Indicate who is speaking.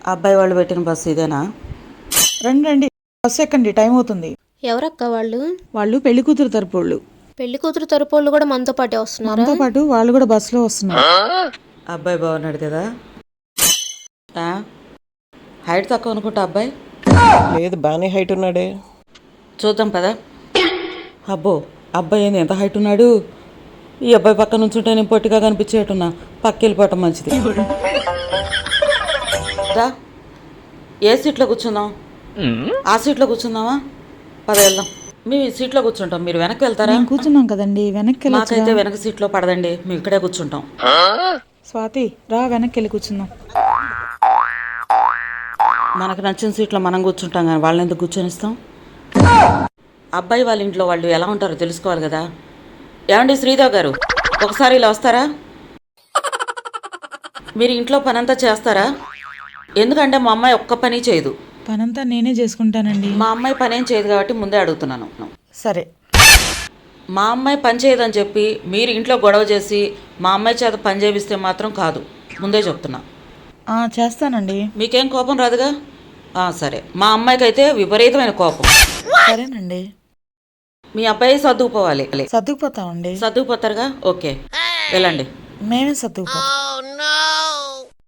Speaker 1: అబ్బాయి వాళ్ళు పెట్టిన బస్సు ఇదేనా?
Speaker 2: రండి రండి, బస్సు ఎక్కండి, టైం అవుతుంది.
Speaker 3: ఎవరక్క వాళ్ళు?
Speaker 2: వాళ్ళు పెళ్లి కూతురు తరపు వాళ్ళు.
Speaker 3: పెళ్లి కూతురు తరపోళ్ళు కూడా మనతో పాటే వస్తున్నారా?
Speaker 2: మనతో పాటు వాళ్ళు కూడా బస్సులో వస్తున్నారు.
Speaker 1: అబ్బాయి బాగున్నాడు కదా? హైట్ తక్కువ అనుకుంటా అబ్బాయి.
Speaker 4: లేదు, బాగానే హైట్ ఉన్నాడే.
Speaker 1: చూద్దాం పదా. అబ్బో, అబ్బాయి ఏంది ఎంత హైట్ ఉన్నాడు? ఈ అబ్బాయి పక్క నుంచుంటే నేను పొట్టిగా కనిపించేట్టున్నా. పక్క వెళ్ళిపోవటం మంచిది. రా, ఏ సీట్లో కూర్చుందాం? ఆ సీట్లో కూర్చుందామా? పద వెళ్దాం. మేము ఈ సీట్లో కూర్చుంటాం, మీరు వెనక్కి వెళ్తారా?
Speaker 2: మేము కూర్చున్నాం కదండి, వెనక్కి
Speaker 1: మాకైతే
Speaker 2: వెళ్ళొచ్చుగా.
Speaker 1: వెనక సీట్లో పడదండి, మేము ఇక్కడే కూర్చుంటాం.
Speaker 2: స్వాతి రా, వెనక్కి వెళ్ళి కూర్చుందాం.
Speaker 1: మనకు నచ్చిన సీట్లో మనం కూర్చుంటాం కానీ వాళ్ళని ఎందుకు కూర్చొనిస్తాం? అబ్బాయి వాళ్ళ ఇంట్లో వాళ్ళు ఎలా ఉంటారో తెలుసుకోవాలి కదా. ఏమండి శ్రీదేవ్ గారు, ఒకసారి ఇలా వస్తారా? మీరు ఇంట్లో పనంతా చేస్తారా? ఎందుకంటే మా అమ్మాయి ఒక్క పని చేయదు.
Speaker 2: పనంతా నేనే చేసుకుంటానండి.
Speaker 1: మా అమ్మాయి పనేం చేయదు కాబట్టి ముందే అడుగుతున్నాను.
Speaker 2: సరే.
Speaker 1: మా అమ్మాయి పని చేయదని చెప్పి మీరు ఇంట్లో గొడవ చేసి మా అమ్మాయి చేత పని చేపిస్తే మాత్రం కాదు, ముందే చెప్తున్నా.
Speaker 2: చేస్తానండి.
Speaker 1: మీకేం కోపం రాదుగా? సరే. మా అమ్మాయికి అయితే విపరీతమైన కోపం.
Speaker 2: సరేనండి.
Speaker 1: మీ అబ్బాయి సర్దుకుపోవాలి.
Speaker 2: సర్దుకుపోతామండి.
Speaker 1: సర్దుకుపోతారుగా? ఓకే, వెళ్ళండి.
Speaker 2: మేమే సర్దుకుపోతాం.